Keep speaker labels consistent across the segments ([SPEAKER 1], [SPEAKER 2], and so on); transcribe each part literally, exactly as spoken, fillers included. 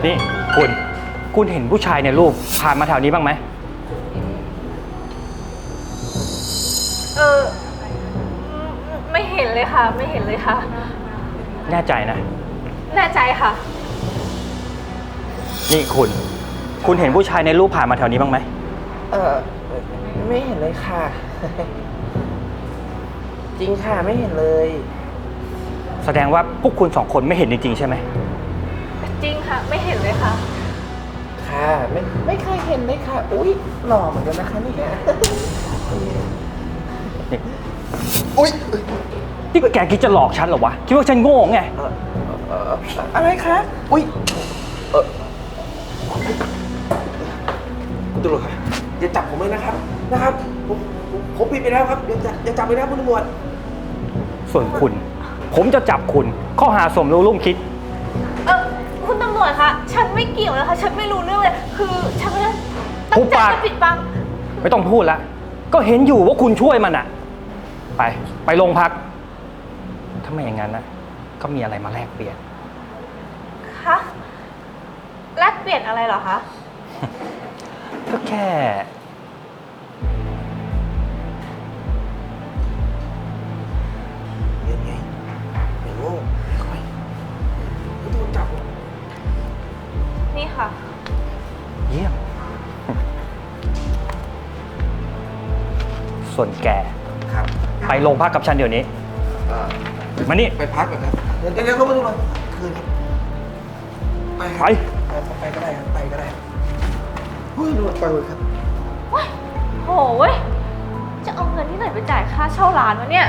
[SPEAKER 1] นี่คุณคุณเห็นผู้ชายในรูปผ่านมาแถวนี้บ้างไหม
[SPEAKER 2] เออไม่เห็นเลยค่ะไม่เห็นเลยค่ะ
[SPEAKER 1] แน่ใจนะ
[SPEAKER 2] แน่ใจค่ะ
[SPEAKER 1] นี่คุณคุณเห็นผู้ชายในรูปผ่านมาแถวนี้บ้างไหม
[SPEAKER 3] เออไม่เห็นเลยค่ะ จริงค่ะไม่เห็นเลย
[SPEAKER 1] แสดงว่าพวกคุณสองคนไม่เห็นจริงๆใช่ไหม
[SPEAKER 2] จริงค่ะไม่เห็นเลยค่ะ
[SPEAKER 3] ค่ะไม่ไม่เคยเห็นเลยค่ะอุ้ยหล่อเหมือนกันนะคะนี่ค่ะอุ้ย
[SPEAKER 1] นี่แกคิดจะหลอกฉันเหรอวะคิดว่าฉันโง่ไง
[SPEAKER 3] อะไรคะอุ้ยเออคุณตำรวจครับอย่าจับผมเลยนะครับนะครับผมผมผิดไปแล้วครับอย่าอย่าจับไปนะคุณตำรวจ
[SPEAKER 1] ส่วนคุณผมจะจับคุณข้อหาสมรู้ร่วมคิด
[SPEAKER 2] เออคุณตำรวจคะฉันไม่เกี่ยวนะคะฉันไม่รู้เรื่องเลยคือฉันไม่ได้ตั้งใจจะปิดบัง
[SPEAKER 1] ไม่ต้องพูดละก็เห็นอยู่ว่าคุณช่วยมันอะไปไปโรงพักถ้าไม่อย่างนั้นนะก็มีอะไรมาแลกเปลี่ยน
[SPEAKER 2] คะแลกเปลี่ยนอะไรเหรอคะ
[SPEAKER 1] ก็แค่
[SPEAKER 3] ยังไงไม่โง่ค่อยไม่ต้องจับ
[SPEAKER 2] นี่ค่ะ
[SPEAKER 1] เยี่ยมส่วนแก
[SPEAKER 3] ครับ
[SPEAKER 1] ไปโรงพักกับฉันเดี๋ยวนี้มานี่
[SPEAKER 3] ไปพักก่อนครับเดี๋ยวเดี๋ยวเขามาดูหน่อยคืนไป
[SPEAKER 1] ไป
[SPEAKER 3] ไปก็ได้ครับไปก็ได้เฮ้ยดูไปเลยครับ
[SPEAKER 2] ว้ายโหเว้ยจะเอาเงินที่ไหนไปจ่ายค่าเช่าร้านวะเนี่ย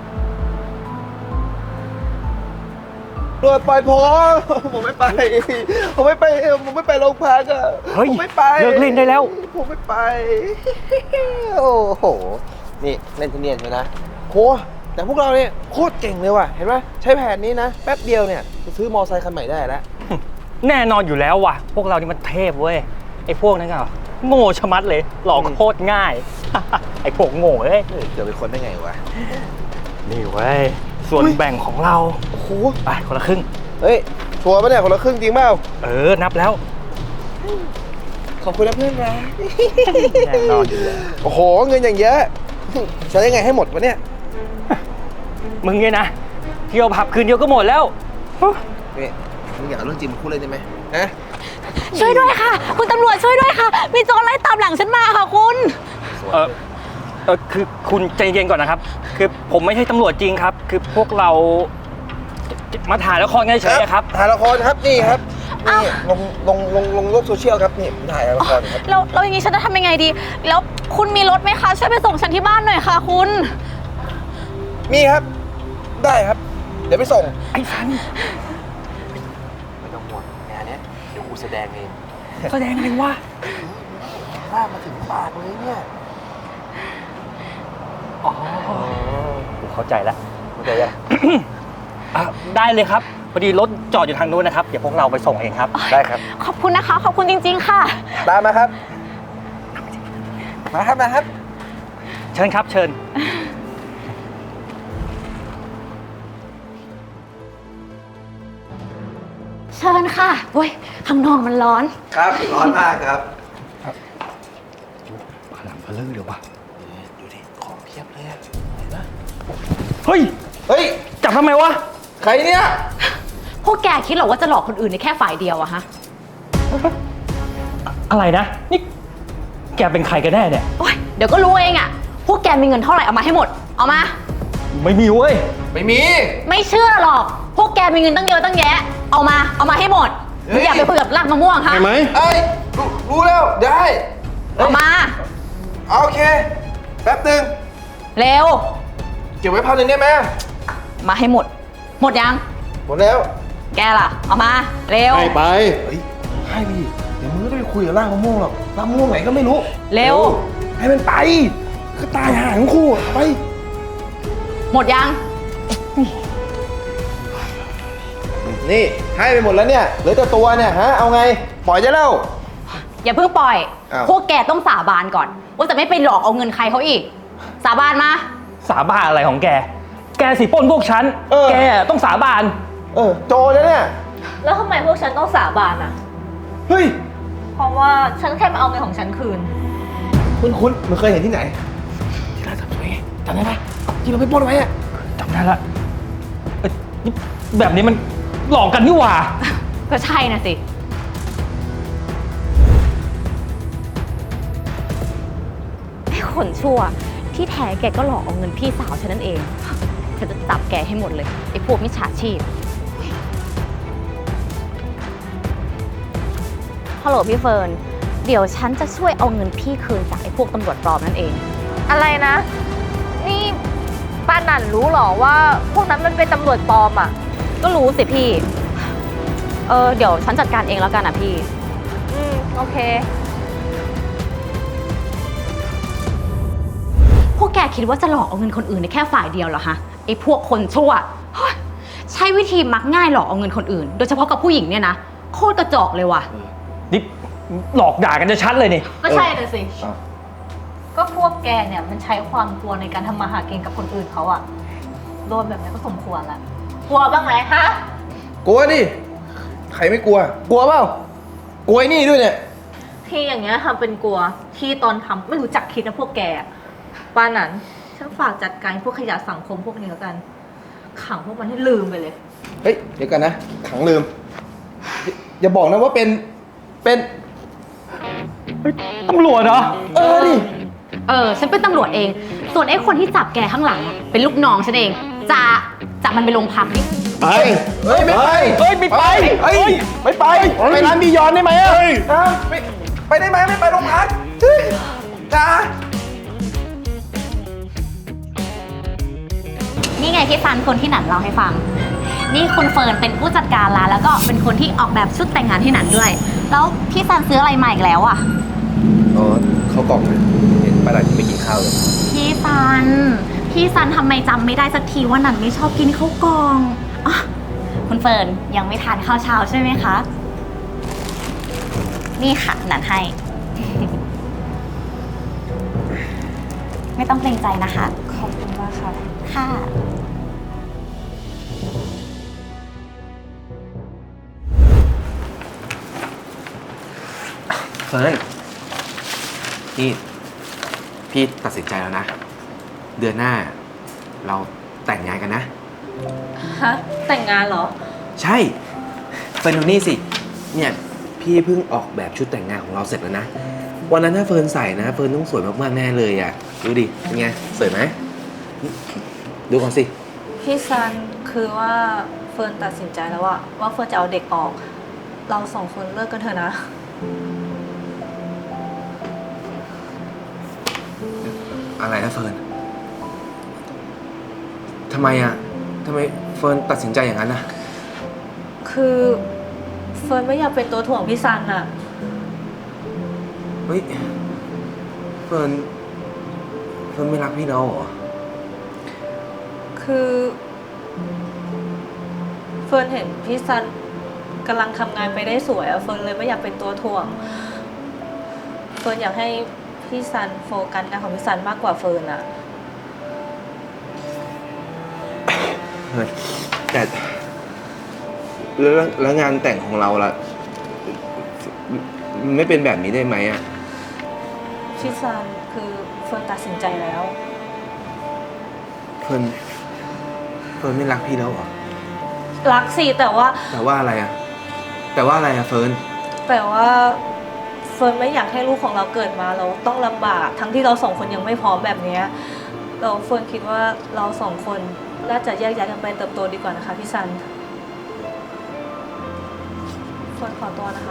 [SPEAKER 3] ตรวจปล่อยผมผมไม่ไปผมไม่ไปผมไม่ไปโรงพักอ่ะผมไม่ไป
[SPEAKER 1] เลิกเล่นได้แล้ว
[SPEAKER 3] ผมไม่ไปโอ้โหนี่เล่นเนียนใช่ไหมโหแต่พวกเราเนี่ยโคตรเก่งเลยว่ะเห็นไหมใช้แผนนี้นะแป๊บเดียวเนี่ยจะซื้อมอไซค์คันใหม่ได้แล้ว
[SPEAKER 1] แน่นอนอยู่แล้วว่ะพวกเรานี่มันเทพเว้ยไอ้พวกนั้นก็โง่ชะมัดเลยหลอกโคตรง่ายไอ้พวกโง่เอ้ย
[SPEAKER 3] จะเป็นคนได้ไงวะ
[SPEAKER 1] นี่เว้ยส่วนแบ่งของเรา
[SPEAKER 3] โอ้โห
[SPEAKER 1] ไปคนละครึ่ง
[SPEAKER 3] เฮ้ยชัวร์ปะเนี่ยคนละครึ่งจริงเปล่า
[SPEAKER 1] เออนับแล้ว
[SPEAKER 3] ขอบคุณนะเพื่อนนะ
[SPEAKER 1] แน่นอนอยู่แล้ว
[SPEAKER 3] โอ้โหเงินอย่างเยอะใช้ยังไงให้หมดวะเนี่ย
[SPEAKER 1] มึงเนี่ยนะเที่ยวผับคืนเดียวก็หมดแล้ว
[SPEAKER 3] นี่มึงอยากเรื่องจริงมึงพูดเลยได้ไหมฮะ
[SPEAKER 2] ช่วยด้วยค่ะคุณตำรวจช่วยด้วยค่ะมีโจรไล่ตามหลังฉันมาค่ะคุณ
[SPEAKER 1] เออเออคือคุณใจเย็นก่อนนะครับคือผมไม่ใช่ตำรวจจริงครับคือพวกเรามาถ่ายละครเฉยๆครับ
[SPEAKER 3] ถ่ายละครครับนี่ครับนี่ลงลงลงลงโลกโซเชียลครับนี่ถ่ายละครครับ
[SPEAKER 2] เราเราอย่างนี้ฉันจะทำยังไงดีแล้วคุณมีรถไหมคะช่วยไปส่งฉันที่บ้านหน่อยค่ะคุณ
[SPEAKER 3] มีครับได้ครับเดี๋ยวไปส่ง
[SPEAKER 1] ไอ้สัน
[SPEAKER 3] ไม่ต้องห่วงงานนี้เดี๋ยวกูแสดงเอง
[SPEAKER 1] แสดงอะไรวะ
[SPEAKER 3] ล่ามาถึงปากเลยเนี่ย
[SPEAKER 1] อ๋อผมเข้าใจแล้ว
[SPEAKER 3] เข้าใจยัง
[SPEAKER 1] ได้เลยครับพอดีรถจอดอยู่ทางนู้นนะครับเดี๋ยวพวกเราไปส่งเองครับ
[SPEAKER 3] ได้ครับ
[SPEAKER 2] ขอบคุณนะคะขอบคุณจริงๆค่ะ
[SPEAKER 3] ตามมาครับมาครับมาครับ
[SPEAKER 1] เชิญครับเชิญ
[SPEAKER 2] เชิญค่ะเว้ยข้างนอกมันร้อน
[SPEAKER 3] ครับร้อนมากครับ
[SPEAKER 1] พลังพลื่นเดี๋ยววะ
[SPEAKER 3] ดูดิของเพียบเลยเห็นปะ
[SPEAKER 1] เฮ้ย
[SPEAKER 3] เฮ้ย
[SPEAKER 1] จับทำไมวะ
[SPEAKER 3] ใครเนี่ย
[SPEAKER 2] พวกแกคิดหรอว่าจะหลอกคนอื่นในแค่ฝ่ายเดียวอะฮะ
[SPEAKER 1] อะไรนะนี่แกเป็นใครกันแน่เนี่ย
[SPEAKER 2] โอ๊ยเดี๋ยวก็รู้เองอะพวกแกมีเงินเท่าไหร่เอามาให้หมดเอามา
[SPEAKER 1] ไม่มีเว้ย
[SPEAKER 3] ไม่มี
[SPEAKER 2] ไม่เชื่อหรอกพวกแกมีเงินตั้งเยอะตั้งแยะเอามาเอามาให้หมดอย่าไปคุยกับรากมะม่วงค่ะ
[SPEAKER 1] ใช่ไหม
[SPEAKER 3] เอ้ยรู้แล้วได้
[SPEAKER 2] เอามา
[SPEAKER 3] โอเคแป๊บนึง
[SPEAKER 2] เร็ว
[SPEAKER 3] เก็บไว้พันหนึ่งได้ไหม
[SPEAKER 2] มาให้หมดหมดยัง
[SPEAKER 3] หมดแล้ว
[SPEAKER 2] แกล่ะเอามาเร็ว
[SPEAKER 1] ให้ไป
[SPEAKER 3] เฮ้ยให้ไปดิเดี๋ยวมึงก็ได้ไปคุยกับรากมะม่วงหรอกรากมะม่วงไหนก็ไม่รู้
[SPEAKER 2] เร็ว
[SPEAKER 3] ให้มันไปก็ตายหาทั้งคู่ไป
[SPEAKER 2] หมดยัง
[SPEAKER 3] นี่ให้ไปหมดแล้วเนี่ยเหลือแต่ตัวเนี่ยฮะเอาไงปล่อยจะเล่า
[SPEAKER 2] อย่าเพิ่งปล่อยพวกแกต้องสาบานก่อนว่าจะไม่ไปหลอกเอาเงินใครเขาอีกสาบานมา
[SPEAKER 1] สาบานอะไรของแกแกสิปล้นพวกฉันแกต้องสาบาน
[SPEAKER 3] เออโจแล้วเนี่ย
[SPEAKER 2] แล้วทำไมพวกฉันต้องสาบานอ่ะ
[SPEAKER 3] เฮ้ย
[SPEAKER 2] เพราะว่าฉันแค่มาเอาเงินของฉันคืน
[SPEAKER 3] คุณคุณมันเคยเห็นที่ไหนที่ร้านเสริมสวยไงจำได้ปะที่เราไปปล้นไว้อะ
[SPEAKER 1] จำได้ละเอ้ยนี่แบบนี้มันหลอกกันนี่หว่า
[SPEAKER 2] ก็ใช่นะสิ ไอ้คนชั่วที่แท้แกก็หลอกเอาเงินพี่สาวฉันนั่นเอง ฉันจะจับแกให้หมดเลย ไอ้พวกมิจฉาชีพ ฮัลโหลพี่เฟิร์น เดี๋ยวฉันจะช่วยเอาเงินพี่คืนจากไอ้พวกตำรวจปลอมนั่นเอง อะไรนะ นี่ป้าหนันรู้หรอว่าพวกนั้นมันเป็นตำรวจปลอมอ่ะ ก็รู้สิพี่ เออเดี๋ยวฉันจัดการเองแล้วกันนะพี่ อืมโอเค พวกแกคิดว่าจะหลอกเอาเงินคนอื่นได้แค่ฝ่ายเดียวเหรอฮะไอ้พวกคนชั่วเฮ้ยใช้วิธีมักง่ายหลอกเอาเงินคนอื่น โดยเฉพาะกับผู้หญิงเนี่ยนะโคตรกระจอกเลยว่ะ
[SPEAKER 1] นี่หลอกด่ากันจะชัดเลยนี่
[SPEAKER 2] ก็ใช่เลยสิ
[SPEAKER 3] อ้าว
[SPEAKER 2] ก็พวกแกเนี่ยมันใช้ความกลัวในการทำมาหากินกับคนอื่นเขาอะโดนแบบนี้ก็สมควรละกลัวบ้างไหมฮะ
[SPEAKER 3] กลัวดิ ใครไม่กลัว กลัวเปล่ากลัวไอ้นี่ด้วยเนี่ย
[SPEAKER 2] ที่อย่างเงี้ยทำเป็นกลัวที่ตอนทำไม่รู้จักคิดนะพวกแกป้านั้นฉันฝากจัดการพวกขยะสังคมพวกนี้แล้วกัน ขังพวกมันให้ลืมไปเลย
[SPEAKER 3] เฮ้ย เดี๋ยวกันนะ ขังลืม อย่าบอกนะว่าเป็น เป็น
[SPEAKER 1] ตำรวจเหรอ
[SPEAKER 3] เออดิ
[SPEAKER 2] เออฉันเป็นตำรวจเอง ส่วนไอ้คนที่จับแกข้างหลังอะเป็นลูกน้องฉันเองจะจับมันไปโรงพักดิ
[SPEAKER 3] ไป เฮ้ย ไม่ไป
[SPEAKER 1] เฮ้ยไม่ไป
[SPEAKER 3] เฮ้ย ไม่ไป ไปร้านบียอนได้ไหมอะนะไปไปได้ไหมไม่ไปโรงพักเฮ้ยจ้า
[SPEAKER 2] นี่ไงพี่ฟันคนที่หนันเล่าให้ฟัง นี่คุณเฟิร์นเป็นผู้จัดการร้านแล้วก็เป็นคนที่ออกแบบชุดแต่งงานที่หนันด้วย แล้วพี่ซันซื้ออะไรมาอีกแล้วอ่ะ
[SPEAKER 3] อ๋อเขากล่องนะเห็นป้าดาที่ไม่กินข้าวเลย
[SPEAKER 2] พี่ซัน พี่ซันทำไมจำไม่ได้สักทีว่าหนันไม่ชอบกินข้าวกล่องอ่ะคุณเฟิร์นยังไม่ทานข้าวเช้าใช่ไหมคะ นี่ค่ะหนันให้ ไม่ต้องเกรงใจนะคะ ขอบคุณมากค่ะ ค่ะ
[SPEAKER 3] เฟิร์นนี่พี่ตัดสินใจแล้วนะ เดือนหน้า เราแต่งงานกันนะ
[SPEAKER 2] ฮะ แต่งงานเหรอ
[SPEAKER 3] ใช่เฟิร์นดูนี่สิ เนี่ยพี่เพิ่งออกแบบชุดแต่งงานของเราเสร็จแล้วนะ วันนั้นถ้าเฟิร์นใส่นะ เฟิร์นต้องสวยมากๆแน่เลยอ่ะ ดูดิ เป็นไง สวยไหม ดูก่อนสิ
[SPEAKER 4] พี่ซันคือว่าเฟิร์นตัดสินใจแล้วอะว่าเฟิร์นจะเอาเด็กออก เราสองคนเลิกกันเถอะนะ
[SPEAKER 3] อะไรนะเฟิร์นทำไมอ่ะทำไมเฟิร์นตัดสินใจอย่างนั้นอ่ะ
[SPEAKER 4] คือเฟิร์นไม่อยากเป็นตัวถ่วงพี่ซันอะ
[SPEAKER 3] เฮ้ย เฟิร์น เฟิร์นไม่รักพี่เราเหรอ
[SPEAKER 4] คือเฟิร์นเห็นพี่ซันกำลังทำงานไปได้สวยอะเฟิร์นเลยไม่อยากเป็นตัวถ่วง เฟิร์นอยากให้พี่ซันโฟกัสงานของพี่ซันมากกว่าเฟิร์นอะ
[SPEAKER 3] เฮ้ยแต่แล้วแล้วงานแต่งของเราล่ะ ไม่เป็นแบบนี้ได้ไหมอ่ะ
[SPEAKER 4] พี่ซันคือเฟิร์นตัดสินใจแล้ว
[SPEAKER 3] เฟิร์น เฟิร์นไม่รักพี่แล้วเหรอ
[SPEAKER 4] รักสิแต่ว่า
[SPEAKER 3] แต่ว่าอะไรอ่ะ แต่ว่าอะไรอ่ะเฟิร์น
[SPEAKER 4] แต่ว่าเฟิร์นไม่อยากให้ลูกของเราเกิดมาเราต้องลำบากทั้งที่เราสองคนยังไม่พร้อมแบบเนี้ยเราเฟิร์นคิดว่าเราสองคนน่าจะแยกย้ายกันไปเติบโตดีกว่านะคะพี่ซันเฟิร์นขอตัวนะคะ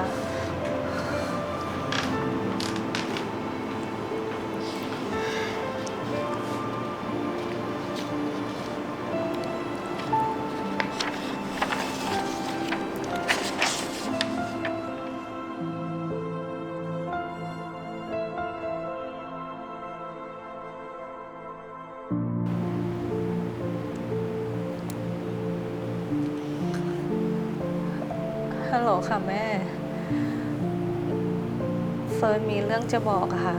[SPEAKER 4] ฮัลโหลค่ะแม่ เฟิร์นมีเรื่องจะบอกอะค่ะ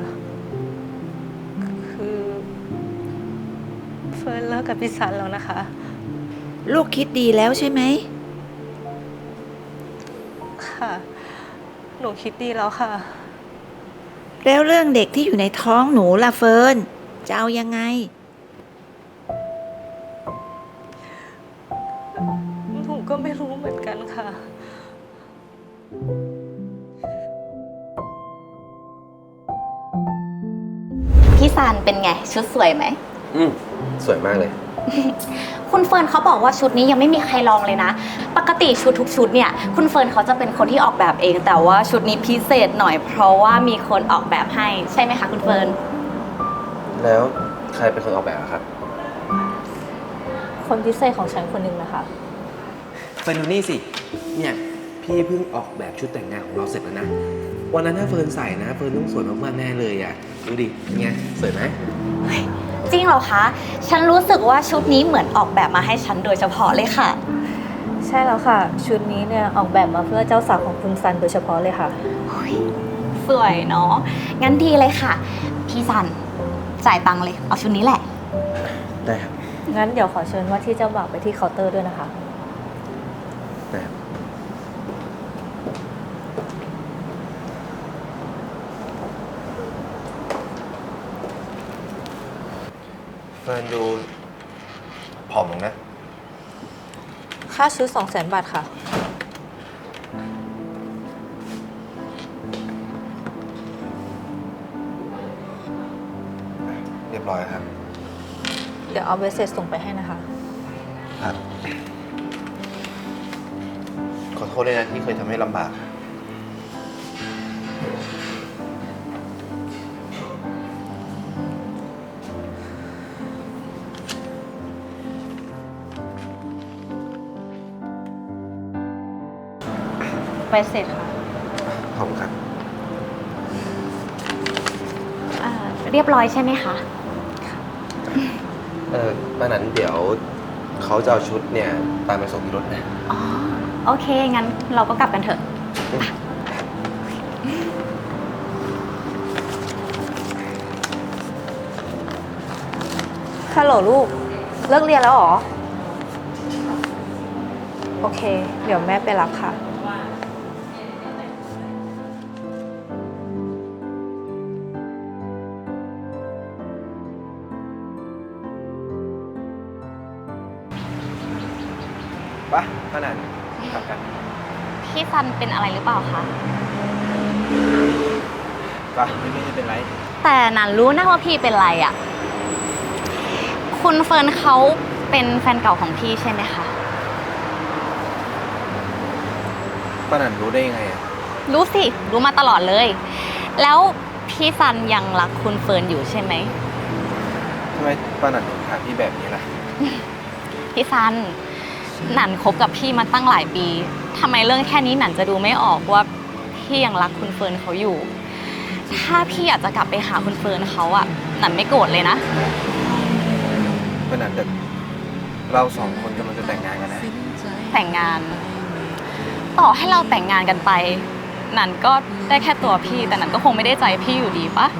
[SPEAKER 4] คือเฟิร์นเลิกกับพี่ซันแล้วนะคะ
[SPEAKER 5] ลูกคิดดีแล้วใช่ไหม
[SPEAKER 4] ค่ะหนูคิดดีแล้วค่ะ
[SPEAKER 5] แล้วเรื่องเด็กที่อยู่ในท้องหนูล่ะเฟิร์นจะเอายังไง
[SPEAKER 4] หนูก็ไม่รู้เหมือนกันค่ะ
[SPEAKER 2] พี่ซันเป็นไงชุดสวยไหม
[SPEAKER 3] อืมสวยมากเลย
[SPEAKER 2] คุณเฟิร์นเขาบอกว่าชุดนี้ยังไม่มีใครลองเลยนะ ปกติชุดทุกชุดเนี่ยคุณเฟิร์นเขาจะเป็นคนที่ออกแบบเอง แต่ว่าชุดนี้พิเศษหน่อยเพราะว่ามีคนออกแบบให้ใช่ไหมคะคุณเฟิร์น
[SPEAKER 3] แล้วใครเป็นคนออกแบบอะครับ
[SPEAKER 4] คนพิเศษของฉันคนหนึ่งนะคะ
[SPEAKER 3] เฟิร์นดูนี่สิ เนี่ยพี่เพิ่งออกแบบชุดแต่งงานของเราเสร็จแล้วนะ วันนั้นถ้าเฟิร์นใส่นะเฟิร์นต้องสวยมากๆแน่เลยอ่ะ ดูดิเป็นไงสวยไหม
[SPEAKER 2] จริงเหรอคะ ฉันรู้สึกว่าชุดนี้เหมือนออกแบบมาให้ฉันโดยเฉพาะเลยค่ะ
[SPEAKER 4] ใช่แล้วค่ะ ชุดนี้เนี่ยออกแบบมาเพื่อเจ้าสาวของคุณซันโดยเฉพาะเลยค่ะ
[SPEAKER 2] สวยเนาะ งั้นดีเลยค่ะ พี่ซันจ่ายตังค์เลย เอาชุดนี้แหละ
[SPEAKER 3] ได้ครับ
[SPEAKER 4] งั้นเดี๋ยวขอเชิญว่าที่เจ้าบ่าวไปที่เคาน์เตอร์ด้วยนะคะ
[SPEAKER 3] ได้ครับเฟิร์นดูผอมลงนะ
[SPEAKER 4] ค่าชุดสองแสนบาทค่ะ
[SPEAKER 3] เรียบร้อยครับ
[SPEAKER 4] เดี๋ยวเอาเบสเสร็จส่งไปให้นะคะ
[SPEAKER 3] ครับ ขอโทษด้วยนะที่เคยทำให้ลำบาก
[SPEAKER 2] ไปเสร็จค่ะ
[SPEAKER 3] ขอบคุณครับ
[SPEAKER 2] อ่าเรียบร้อยใช่ไหมคะ
[SPEAKER 3] เออป้านั้นเดี๋ยวเขาจะเอาชุดเนี่ยตามไปส่งที่รถนะ
[SPEAKER 2] อ๋อ โอเค งั้นเราก็กลับกันเถอะ
[SPEAKER 4] ฮัลโหลลูก เลิกเรียนแล้วเหรอ โอเค เดี๋ยวแม่ไปรับค่ะ
[SPEAKER 3] ปะป้านันกลับกัน
[SPEAKER 2] พี่ซันเป็นอะไรหรือเปล่าคะ
[SPEAKER 3] ปะไม่ไม่เป็นไร
[SPEAKER 2] แต่นันรู้นะว่าพี่เป็นไรอะ่ะ คุณเฟิร์นเขาเป็นแฟนเก่าของพี่ใช่ไหมคะ
[SPEAKER 3] ป้านันรู้ได้ยังไงอ่ะ
[SPEAKER 2] รู้สิ รู้มาตลอดเลย แล้วพี่ซันยังรักคุณเฟิร์นอยู่ใช่ไหม
[SPEAKER 3] ทำไมป้านันถึงถามพี่แบบนี้ล่ะ
[SPEAKER 2] พี่ซัน หนันคบกับพี่มาตั้งหลายปี ทำไมเรื่องแค่นี้หนันจะดูไม่ออกว่าพี่ยังรักคุณเฟิร์นเขาอยู่ ถ้าพี่อยากจะกลับไปหาคุณเฟิร์นเขาอะหนันไม่โกรธเลยนะ
[SPEAKER 3] ป้านันแต่เราสองคนกำลังจะแต่งงานกันนะ
[SPEAKER 2] แต่งงาน ต่อให้เราแต่งงานกันไป หนันก็ได้แค่ตัวพี่ แต่หนันก็คงไม่ได้ใจพี่อยู่ดีปะ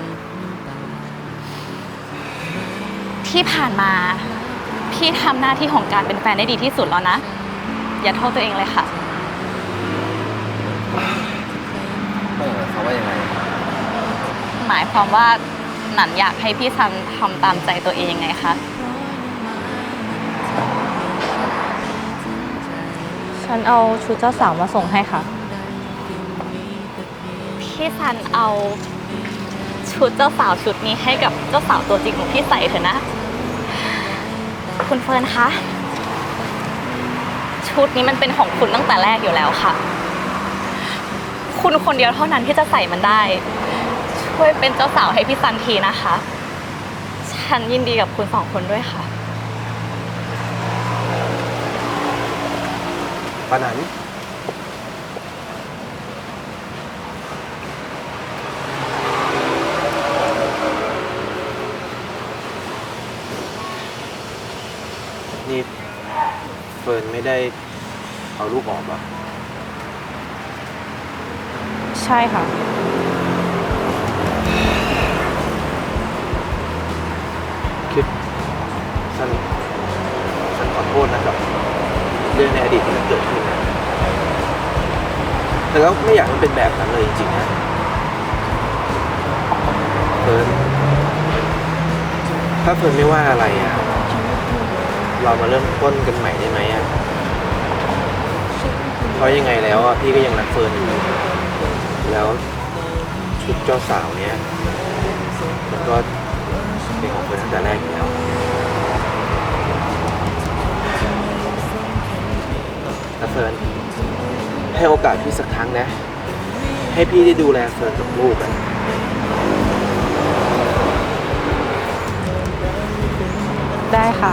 [SPEAKER 2] ที่ผ่านมา พี่ทำหน้าที่ของการเป็นแฟนได้ดีที่สุดแล้วนะ อย่าโทษตัวเองเลยค่ะ
[SPEAKER 3] ป้านันเขามว่ายังไง
[SPEAKER 2] หมายความว่าหนันอยากให้พี่ซันทำตามใจตัวเองไงคะ
[SPEAKER 4] ฉันเอาชุดเจ้าสาวมาส่งให้ค่ะ
[SPEAKER 2] พี่ซันเอาชุดเจ้าสาวชุดนี้ให้กับเจ้าสาวตัวจริงของพี่ใส่เถอะนะ คุณเฟิร์นคะ ชุดนี้มันเป็นของคุณตั้งแต่แรกอยู่แล้วค่ะ คุณคนเดียวเท่านั้นที่จะใส่มันได้ ช่วยเป็นเจ้าสาวให้พี่ซันทีนะคะ ฉันยินดีกับคุณสองคนด้วยค่ะ
[SPEAKER 3] ป้านันนี่เฟิร์นไม่ได้เอาลูกออกเหรอ
[SPEAKER 4] ใช่ค่ะ
[SPEAKER 3] คือฉันฉันขอโทษนะครับ เรื่องในอดีตที่มันเกิดขึ้นนะแต่แต่ก็ไม่อยากให้มันเป็นแบบนั้นเลยจริงๆนะเฟิร์นถ้าเฟิร์นไม่ว่าอะไรอ่ะ เรามาเริ่มต้นกันใหม่ได้ไหมอ่ะ เพราะยังไงแล้วอ่ะพี่ก็ยังรักเฟิร์นอยู่ แล้วชุดเจ้าสาวเนี้ยมันก็เป็นของเฟิร์นตั้งแต่แรกอยู่แล้วนะเฟิร์นให้โอกาสพี่สักครั้งนะ ให้พี่ได้ดูแลเฟิร์นกับลูกอ่ะ
[SPEAKER 6] ได้ค่ะ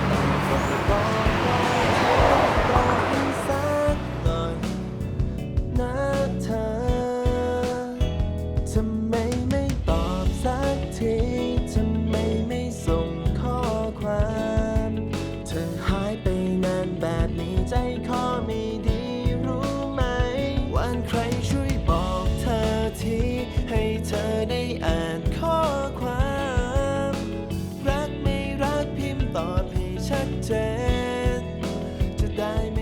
[SPEAKER 7] ทำไมไม่ตอบสักที ทำไมไม่ส่งข้อความ เธอหายไปนานแบบนี้ใจคอไม่ดีรู้ไหมวันใครช่วยบอกเธอที ให้เธอได้อ่านข้อความ รักไม่รักพิมพ์ตอบให้ชัดเจน จะได้ไม่